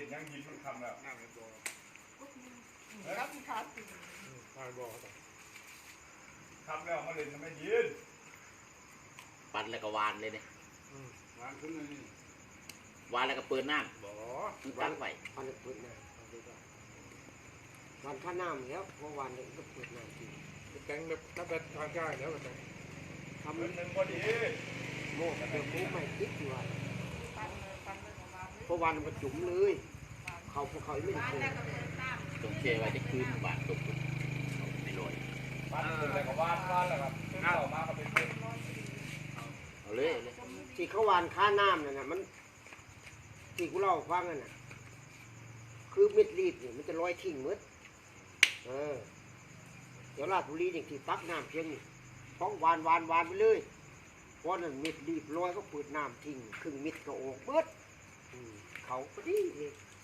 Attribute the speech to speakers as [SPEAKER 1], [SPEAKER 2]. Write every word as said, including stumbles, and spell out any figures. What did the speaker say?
[SPEAKER 1] ยังยินมันคำแล้วน้ำมันบ่
[SPEAKER 2] รับที่ขาดสิ
[SPEAKER 1] น้ำบ่คำแล้วมาเล่นมันไม่ยิน
[SPEAKER 3] ปั่นแล้วก็วานเลยเนี่ยว
[SPEAKER 1] างขึ้นเลยนี่
[SPEAKER 3] วานแล้วก็เปิดน้ำ
[SPEAKER 1] บ่
[SPEAKER 3] ตั้งไว้
[SPEAKER 2] วันเปิดน้ำวันข้าน้ำแล้วเพราะวันนี้ก็เปิดน้ำจริง
[SPEAKER 1] แต่งแบบถ้าแบบทางใกล้แล้วก็แต่งทำหนึ่งพอดี
[SPEAKER 2] โม่เดี๋ยวกูไม่คิดอยู่ว่าเพราะวันมันจุ๋มเลยเขาพวกเขาไม่ได้โกง
[SPEAKER 3] ตรงเชไว้จะคืนบาทตกไม่ลอย
[SPEAKER 1] บ้านแต่ก็บ้านบ้านแหละครับข้าวมาก็เป็น
[SPEAKER 3] เอาเลยเลย
[SPEAKER 2] ที่เขาวานข้าน้ำนั่นน่ะมันที่กูเล่าฟังนั่นน่ะคือเม็ดรีดเนี่ยมันจะลอยทิ้งมืดเออเดี๋ยวราชบุรีเนี่ยที่ปักน้ำเพียงนี่ต้องวานวานวานไปเลยเพราะนั่นเม็ดรีบลอยก็เปิดน้ำทิ้งครึ่งเม็ดก็ออกเบิดเขาพอดีเลย